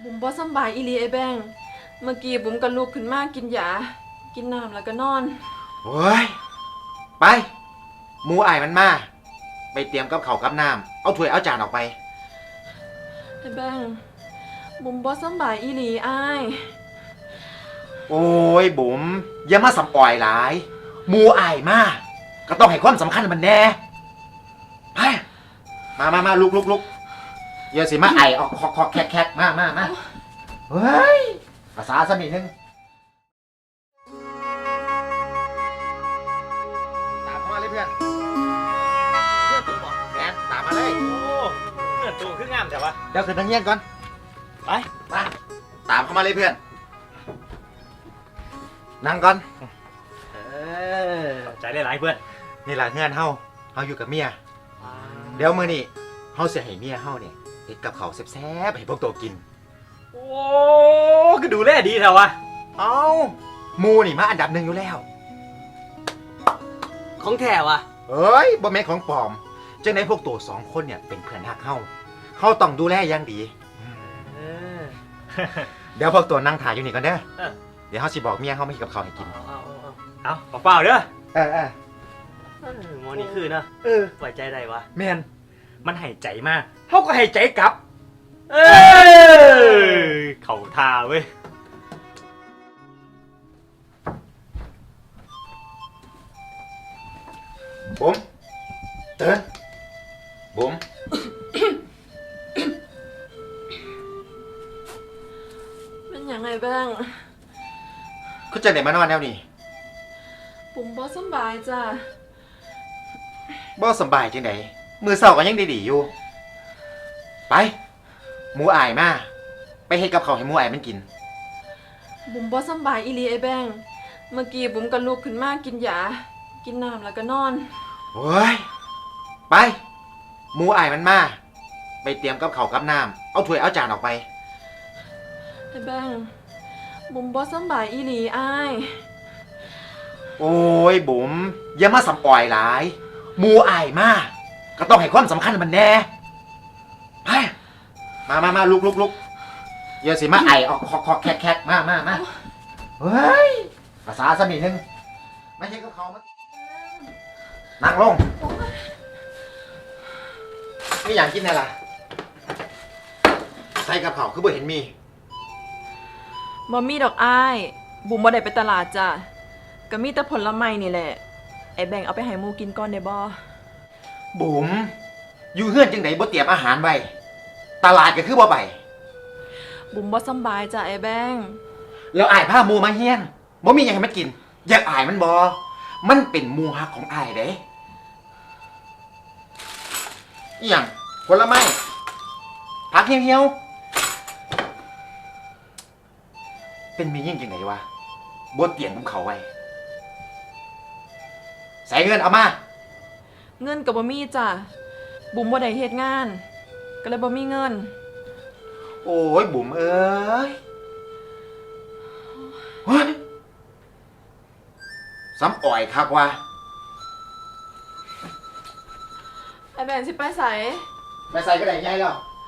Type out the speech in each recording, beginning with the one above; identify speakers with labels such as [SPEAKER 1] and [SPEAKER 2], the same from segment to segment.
[SPEAKER 1] บุ๋มบ่สำบายอีหลีไอ้แบงเมื่อกี้บุ๋มก็ลุกขึ้นมากินยากินน้ำแล้วก็นอน
[SPEAKER 2] โอ้ยไปหมูอ้ายมันมาไปเตรียมกับข้าวกับน้ำเอาถ้วยเอาจานออกไป
[SPEAKER 1] ไอ้แบงบุ๋มบ่สำบายอีหลีอ้าย
[SPEAKER 2] โอ้ยบุ๋มอย่ามาสำออยหลายหมูอ้ายมาก็ต้องให้ความสำคัญมันแน่ไปมาลุกเดี๋ยวสิมาไอออกคอกแคกมาเฮ้ยภาษาสักนิดนึงตามเข้ามาเลยเพื่อนแมนตามมาเลย
[SPEAKER 3] โอ้เพื่อนตูขึ้นงามแต่ว่า
[SPEAKER 2] เดี๋ยวขึ้นทางเงี้ยก่อน
[SPEAKER 3] ไป
[SPEAKER 2] ตามเข้ามาเลยเพื่อนนั่งก่อน
[SPEAKER 3] ใจหลายๆเพื่อน
[SPEAKER 2] นี่แหละเงื่อนเฮาอยู่กับเมียเดี๋ยวมื้อนี้เฮาสิให้เมียเฮาเนี่ยเฮ็ดกับข้าวแซ่บๆให้พวกตัวกิน
[SPEAKER 3] โอ้ก็ดูแลดีแถววะ
[SPEAKER 2] เอ้าหมูนี่มาอันดับหนึ่งอยู่แล้ว
[SPEAKER 3] ของแท้วะ
[SPEAKER 2] เอ้ยบ่แม่นของปลอมจังได๋พวกตัวสองคนเนี่ยเป็นเพื่อนรักเฮาต้องดูแลอย่างดีเดี๋ยวพวกตัวนั่งถ่ายอยู่นี่ก่อนเด้อเดี๋ยวเฮาสิบอกเมียเฮามาเฮ็ดกับข้าวให้กิน
[SPEAKER 3] เอาเปล่าเด้อหมอนี่คือเนาะปล่อยใจได้วะ
[SPEAKER 2] แม่น
[SPEAKER 3] มันให้ใจมากเขาก็ให้ใจกลับเข่าทาเว้ย
[SPEAKER 2] บุ๋มตื่นบุ๋ม
[SPEAKER 1] เป็นหยังไงแบง
[SPEAKER 2] คุณจะไหนมานอนแนวนี้
[SPEAKER 1] บุ๋มบ่สำบายจ้ะ
[SPEAKER 2] บ่สบายจังได๋มือเช้าก็ยังดีๆอยู่ไปหมูอ้ายมาไปเฮ็ดกับข้าวให้หมูอ้ายมันกิน
[SPEAKER 1] บุ๋มบ่สำบายอีหลีไอ้แบงเมื่อกี้บุ๋มก็ลุกขึ้นมากินยากินน้ำแล้วก็นอน
[SPEAKER 2] โอ้ยไปหมูอ้ายมันมาไปเตรียมกับข้าวกับน้ำเอาถ้วยเอาจานออกไป
[SPEAKER 1] ไอ้แบงบุ๋มบ่สำบายอีหลีอ้าย
[SPEAKER 2] โอ้ยบุ๋มอย่ามาสำออยหลายหมูอ้ายมาก็ต้องให้ความสำคัญมันแน่ไปมาลุกเดี๋ยวสิมาไอออกคอกแคกมาเฮ้ยภาษาสักนิดนึงไม่ใช่กับเขามานั่งลงไม่อยากกินอะไรล่ะใส่กับเขาคือบ่เห็นมี
[SPEAKER 1] บ่มีดอกอ้ายบุ๋มบ่ได้ไปตลาดจ้ะก็มีแต่ผลไม้นี่แหละไอ้แบงเอาไปให้หมูกินก่อนได้บ่
[SPEAKER 2] บุ๋มอยู่เฮือนจังไดบ่เตรียมอาหารไว้ตลาดก็คือบ่ไป
[SPEAKER 1] บุ๋มบ่สำบายจ้ะไอ้แบง
[SPEAKER 2] แล้วอ้ายพาหมูมาเฮียนบ่มีหยังให้มันกินอยากอ้ายมันบ่มันเป็นหมูฮักของอ้ายเด้อีหยังผลไม้ผักเหี่ยวๆเป็นมียิ่งจังไดวะบ่เตรียมกับเขาไว้ใส่เงินเอามา
[SPEAKER 1] เงินก็บ่มีจ้ะบุ๋มบ่ได้เฮ็ดงานก็เลยบ่มีเงิน
[SPEAKER 2] โอ้ยบุ๋มเอ้ยเฮ้ยซ้ำอ่อยคักว่ะ
[SPEAKER 1] ไอ้แบงสิไปใส่
[SPEAKER 2] ก็ได้ไงแล้ว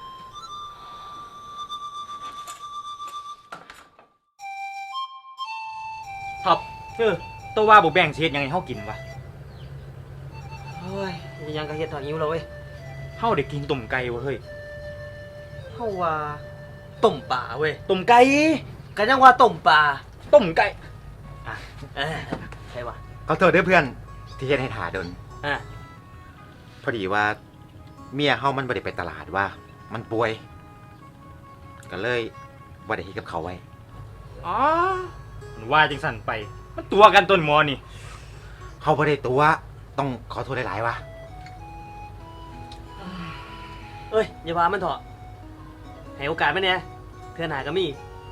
[SPEAKER 3] ท็อปตัวว่าบุแบ่งเช็ดยังไงเขากินวะเฮ้ยยังกระเฮ็ดถอดนิ้วเราเว้ยเขาได้กินต้มไก่วะเฮ้ยเขาว่าต้มปลาเว้ยต้มไก่กันยังว่าต้มปลาต้มไก่ใช่วะ
[SPEAKER 2] ขอโทษด้วยเพื่อนที่เฮ็ดให้ถ่าดนพอดีว่าเมียเฮามันบ่ได้ไปตลาดว่ามันป่วยก็เลยบ่ได้เฮ็ดกับเขาไว้
[SPEAKER 3] มันว่าจังสั่นไปมันตัวกันต้นมอนี่
[SPEAKER 2] เขาบ่ได้ตัวต้องขอโทษหลายๆว่ะ
[SPEAKER 3] อย่าพามันเถอะให้โอกาสมันเนี่ยเพื่อนหาก็มี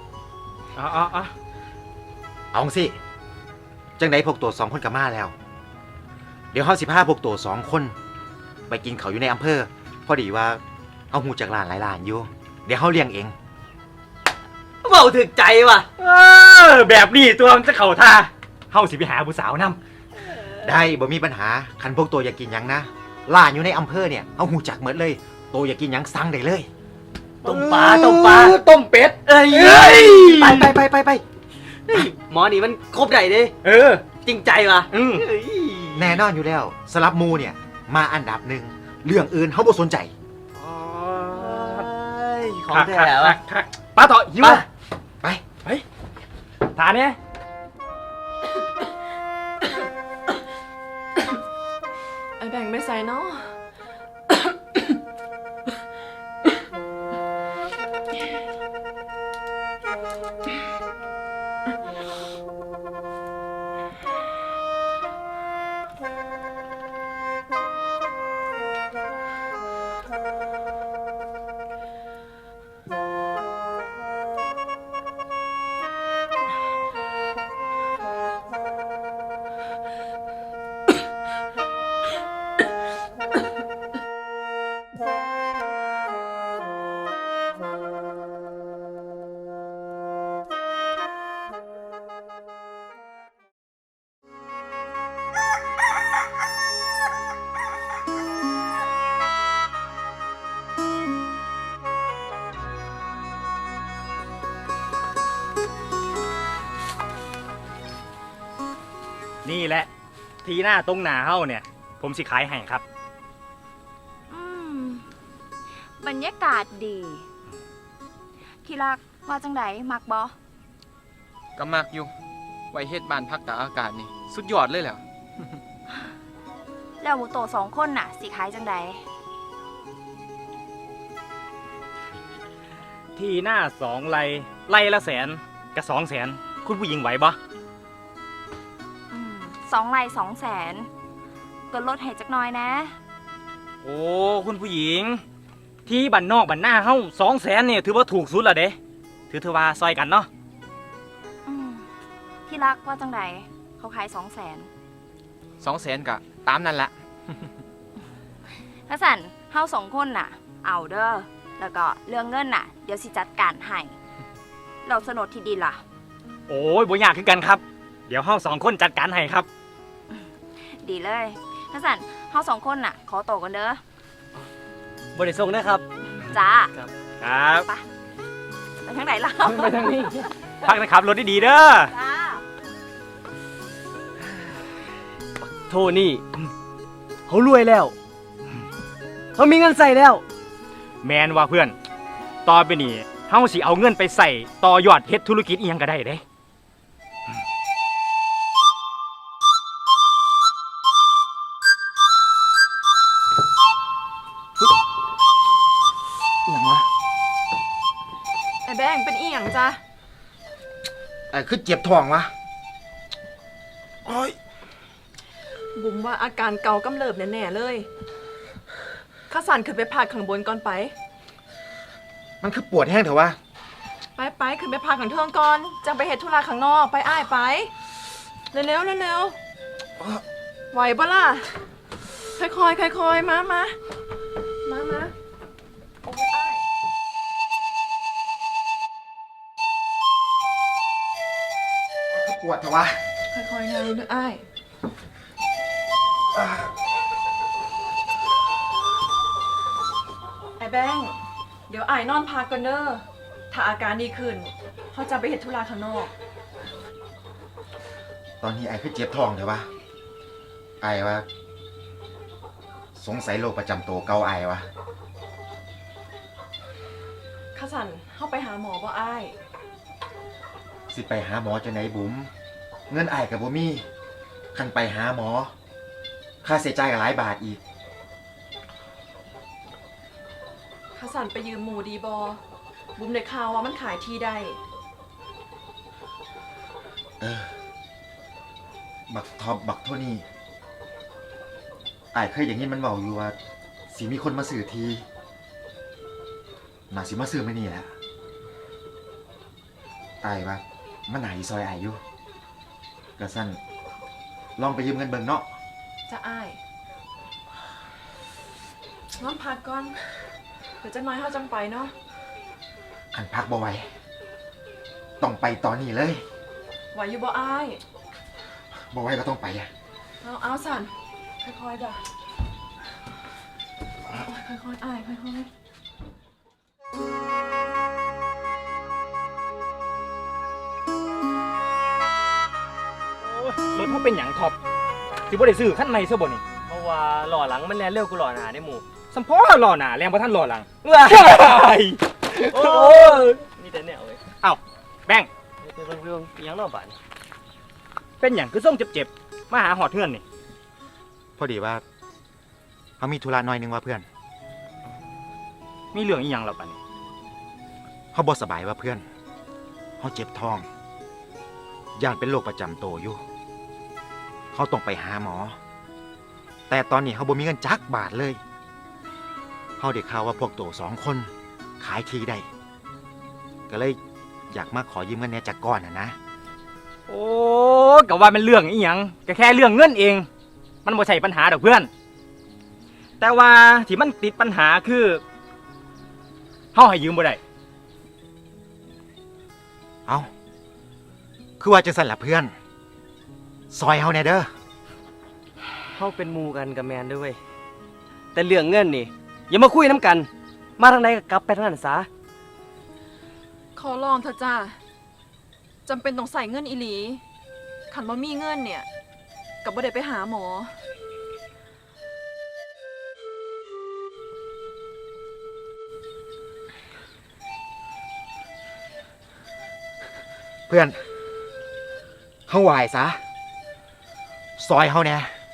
[SPEAKER 2] เอาสิจังไดพวกตัวสองคนกับมาแล้วเดี๋ยวเฮาสิพาพวกตัวสองคนไปกินเขาอยู่ในอำเภอพอดีว่าเอาหูจากร้านหลายร้านอยู่เดี๋ยวเฮาเลี้ยงเอง
[SPEAKER 3] เบาถึกใจว่ะแบบนี้ตัวมันจะเข่าท่าเฮาสิไปหาผู้สาวนำ
[SPEAKER 2] ได้บ่มีปัญหาคันพวกตัวอยากกินหยังนะร้านอยู่ในอำเภอเนี่ยเอาหูจักหมดเลยตัวอยากกินหยังสั่งได้เลย
[SPEAKER 3] ต้มปลาต้มเป็ดเอ้ยไปเฮ้ยหมอนี่มันครบได้เด้จริงใจว่ะเฮ้ย
[SPEAKER 2] แน่นอนอยู่แล้วสลับหมูเนี่ย มาอันดับหนึ่งเรื่องอื่นเขาบ่สนใจ
[SPEAKER 3] ของแท้ว่ะปลาต่อหิว
[SPEAKER 2] ไป
[SPEAKER 3] ทานเนี่ย
[SPEAKER 1] ไอ้แบ่งไปใส่เนาะ
[SPEAKER 3] นี่แหละ ทีหน้าตรงหนาเฮ้าเนี่ย ผมสิขายให้ครับ
[SPEAKER 4] อืมบรรยากาศดี ที่รักว่าจังไดมักบ่
[SPEAKER 5] ก็มักอยู่ ไว้เฮ็ดบ้านพักตากอากาศนี่ สุดยอดเลยแหละ
[SPEAKER 4] แล้วหมูโต2 คนน่ะสิขายจังได
[SPEAKER 3] ทีหน้า2ไร่ละแสนกับ200,000คุณผู้หญิงไหวบ่
[SPEAKER 4] 2 ไร่ 200,000ก็ลดให้จักหน่อยนะ
[SPEAKER 3] โอ้คุณผู้หญิง ที่บ้านนอกบ้านหน้าเฮ้า200,000เนี่ยถือว่าถูกสุดละเด้ถือว่าซอยกันเนาะ
[SPEAKER 4] ที่รักว่าจังไดเขาขาย 200,000
[SPEAKER 5] 200,000กะตามนั่นแหละ
[SPEAKER 4] ถ้าสั่นเฮา2 คนน่ะ เอาเด้อแล้วก็เรื่องเงินน่ะ เดี๋ยวสิจัดการให้เราโฉนดที่ดินล่ะ
[SPEAKER 3] โอ้ยบ่ยากคือกันครับ เดี๋ยวเฮ้า2 คนจัดการให้ครับ
[SPEAKER 4] ดีเลยถ้าสั่นเฮา2 คนน่ะ ขอโตวกันเด้อ
[SPEAKER 3] บ่ได้ส่งนะครับ
[SPEAKER 4] จ้า
[SPEAKER 3] ครับ
[SPEAKER 4] ไปทางไหนล่ะ
[SPEAKER 3] ไปทางนี้ พักนะครับรถดีๆเด้อ
[SPEAKER 4] จ้า
[SPEAKER 6] โทนี่เขารวยแล้วเขามีเงินใส่แล้ว
[SPEAKER 3] แมนว่าเพื่อน ต่อไปนี้เฮาสิเอาเงินไปใส่ต่อยอดเฮ็ดธุรกิจอีหยังก็ได้เด้
[SPEAKER 2] อย่างวะ
[SPEAKER 1] ไอ้แบ่งเป็นอีหยังจ้ะ
[SPEAKER 2] คือเจ็บท้องวะโอ้ย
[SPEAKER 1] บุ๋มว่าอาการเกากำเริบแน่ๆเลยข้าสันขึ้นไปพักข้างบนก่อนไป
[SPEAKER 2] มันคือปวดแห้งเถอะวะ
[SPEAKER 1] ไปขึ้นไปพักข้างเทิงก่อนจังไปเฮ็ดธุระข้างนอกไปอ้ายไปเร็วไหวปะล่ะค่อยๆมาโอ้ยอ้าย
[SPEAKER 2] คือปวดเถอะวะ
[SPEAKER 1] ค่อยๆนะรู้นึกอ้ายไอ้แบงค์เดี๋ยวอ้ายนอนพักก่อนเด้อถ้าอาการดีขึ้นเขาจะไปเฮ็ดธุระข้างนอก
[SPEAKER 2] ตอนนี้ไอ้คือเจ็บท้องเถอะวะไอ้ว่าสงสัยโรคประจำตัวเก่าไอ้วะ
[SPEAKER 1] ข้าสันเข้าไปหาหมอบ่อ้าย
[SPEAKER 2] สิไปหาหมอจะไหนบุ๋มเงินไอ้กับบ่มีคันไปหาหมอค่าใช้จ่ายก็หลายบาทอีก
[SPEAKER 1] ข้าสันไปยืมหมูดีบอบุ๋มได้ข่าวว่ามันขายที่ได้
[SPEAKER 2] บักท็อปบักโทนี่ไอ้ายเคยอย่างนี้มันบอกอยู่ว่าสิมีคนมาสื่อทีน่าสิมาสื่อไม่นี่แหละไอ้ายว่ามันหายซอยไอ้ายอยู่กระสั้นลองไปยืมเงินเบิ่งเนาะ
[SPEAKER 1] จะอ้ายนอนพักก่อนเดี๋ยวจะน้อยเข้าจังไปเนาะ
[SPEAKER 2] คันพักบ่ไหวต้องไปตอนนี้เลย
[SPEAKER 1] ไหวอยู่บ่อ้าย
[SPEAKER 2] บ่ไหวก็ต้องไปอะ
[SPEAKER 1] เอาสันค่อยๆด่ะค่อยๆอ้ายค่อยๆ
[SPEAKER 3] รถเขาเป็นหยังท็อปสิบ่ได้ซื้อคันใหม่ซะบ่นี่
[SPEAKER 6] เพราะว่าหล่อหลังมันแลนเร็วกูหล่อหนาได้หมู่
[SPEAKER 3] สัมพอหล่อหน้าแรงบ่ทันหล่อหลัง
[SPEAKER 6] ว้า
[SPEAKER 3] ว้าย
[SPEAKER 6] โอ้ยมีแต่แนวเว้ย
[SPEAKER 3] เอ้าแบงค์
[SPEAKER 6] เรื่องๆยังเนอกบ้าน
[SPEAKER 3] เป็นหยังคือส่งเจ็บๆมาหาหอดเฮือนนี่
[SPEAKER 2] พอดีว่าเขามีธุระหน่อยนึงว่าเพื่อน
[SPEAKER 3] มีเรื่องอีหยังแล้วบัดนี้
[SPEAKER 2] เขาบ่สบายว่าเพื่อนเขาเจ็บท้องย่านเป็นโรคประจำตัวอยู่เขาต้องไปหาหมอ แต่ตอนนี้เขาบ่มีเงินจักบาทเลยเขาได้ข่าวว่าพวกโต2 คนขายที่ได้ก็เลยอยากมาขอยืมเงินเนี่ยจากก้อนนะ
[SPEAKER 3] โอ้ก็ว่ามันเรื่องอีหยังก็แค่เรื่องเงินเอง มันบ่ใช่ปัญหาดอกเพื่อน แต่ว่าที่มันติดปัญหาคือเฮาให้ยืมบ่ได้
[SPEAKER 2] เอาคือว่าจะสั่นละเพื่อน ซอยเขาแน่เด้อ
[SPEAKER 6] เขาเป็นหมู่กันกับแมนด้วยเวยแต่เรื่องเงินนี่อย่ามาคุยน้ำกัน มาทางไหนก็กลับไปทางนั้นซะ
[SPEAKER 1] ขอลองเถอะจ้าจำเป็นต้องใส่เงินอีหลีขันบ่มีเงินเนี่ยกับบ่ได้ไปหาหมอ
[SPEAKER 2] เพื่อนเขาไหวซะ ซอยเขาแน่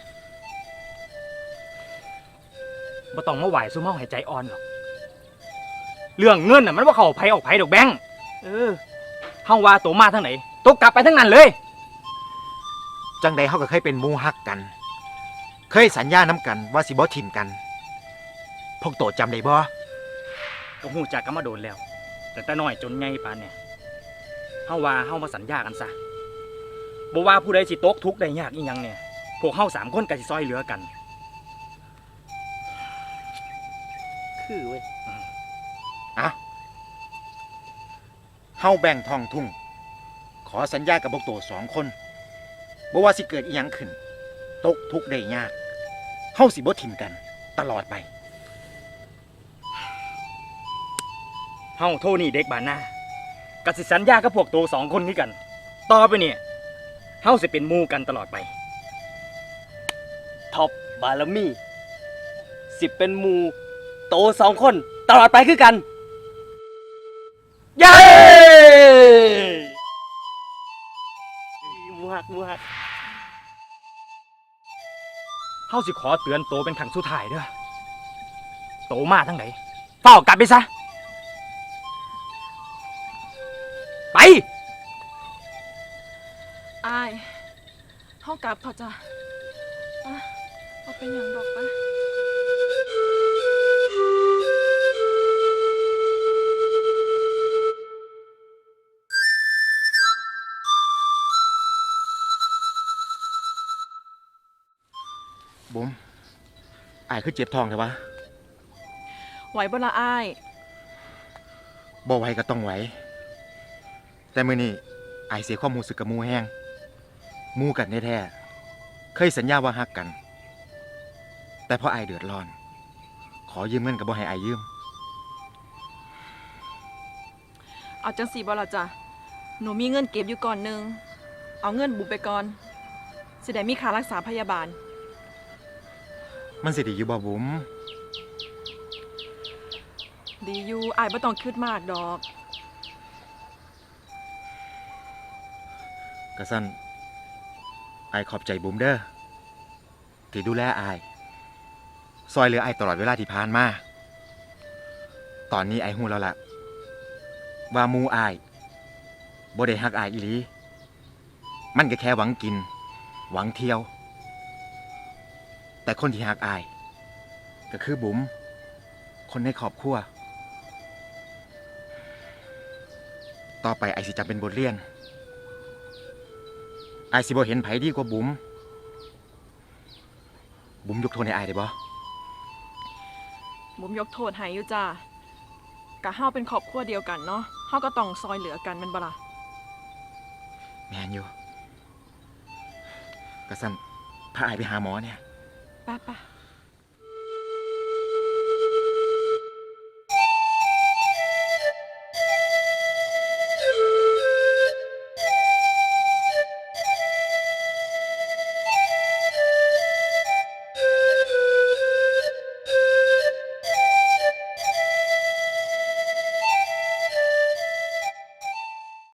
[SPEAKER 3] บ่ต้องมาไหวซุ่มเฮาให้ใจอ่อนหรอก เรื่องเงินน่ะมันบ่เข้าไผออกไผดอกแบงค์เฮาว่าโตมาทางไหนโตกลับไปทางนั้นเลย
[SPEAKER 2] จังใดเขาก็เคยเป็นหมู่ฮักกัน เคยสัญญาน้ำกันว่าสิบ่ทิมกัน พวกโตจำได้บ่
[SPEAKER 3] ก็ฮู้จักกันมาโดนแล้ว แต่น้อยจนใหญ่ปานเนี่ยเฮาว่าเฮามาสัญญากันซะบ่ว่าผู้ใดสิตกทุกข์ได้ยากอีหยังเนี่ย พวกเฮา3 คนก็สิซอยเหลือกัน
[SPEAKER 6] คือเว้ย
[SPEAKER 2] อะเฮาแบ่งทองทุ่ง ขอสัญญากับพวกโต2 คนบ่ว่าสิเกิดอีหยังขึ้น ตกทุกข์ได้ยากเฮาสิบ่ทิมกัน ตลอดไป
[SPEAKER 3] เฮาโทนี่เด็กบ้านหน้าก็สิสัญญากับพวกโต2 คนนี้กัน ต่อไปเนี่ยเฮาสิเป็นหมู่กันตลอดไป
[SPEAKER 6] ท็อปบารมีสิเป็นหมู่โต2 คนตลอดไปคือกัน
[SPEAKER 3] เย้
[SPEAKER 6] หมูหักหมูหัก
[SPEAKER 3] เฮาสิขอเตือนโตเป็นครั้งสุดท้ายเด้อโตมาทางไหนเฝ้ากลับไปซะ ไป
[SPEAKER 1] อายเฮากลับเถอะจ้ะไปเอาเป็นอย่างดอกไปะ
[SPEAKER 2] บุ๋มอายคือเจ็บท้องใช่ปะ
[SPEAKER 1] ไหวบ่ละอาย
[SPEAKER 2] บ่ไหวก็ต้องไหว แต่มื้อนี้อายเสียความรู้สึกกับหมู่แห้งหมู่กันแท้ๆเคยสัญญาว่าฮักกัน แต่พออายเดือดร้อน ขอยืมเงินก็บ่ให้อายยืม
[SPEAKER 1] เอาจังสีบ่ละจ้ะหนูมีเงินเก็บอยู่ก่อนหนึงเอาเงินบุบไปก่อนสิได้มีค่ารักษาพยาบาล
[SPEAKER 2] มันสิดีอยู่บ่บุ๋ม
[SPEAKER 1] ดีอยู่อายบ่ต้องคิดมากดอก
[SPEAKER 2] กะสั่นอายขอบใจบุ๋มเด้อที่ดูแลอาย ซอยเหลืออายตลอดเวลาที่ผ่านมา ตอนนี้อายฮู้แล้วล่ะ ว่าหมู่อายบ่ได้ฮักอายอีหลี มันก็แค่หวังกิน หวังเที่ยว แต่คนที่ฮักอาย ก็คือบุ๋มคนในครอบครัว ต่อไปอายสิจำเป็นบทเรียนอายสิบ่เห็นไผดีกว่าบุ๋มบุ๋มยกโทษให้อายได้บ่
[SPEAKER 1] บุมยกโทษให้อยู่จ้ะกะเฮาเป็นครอบครัวเดียวกันเนาะเฮาก็ต้องซอยเหลือกันแม่นบ่ล่ะ
[SPEAKER 2] แม่นอยู่กะสั่นพาอายไปหาหมอเนี่ย
[SPEAKER 1] ไป้า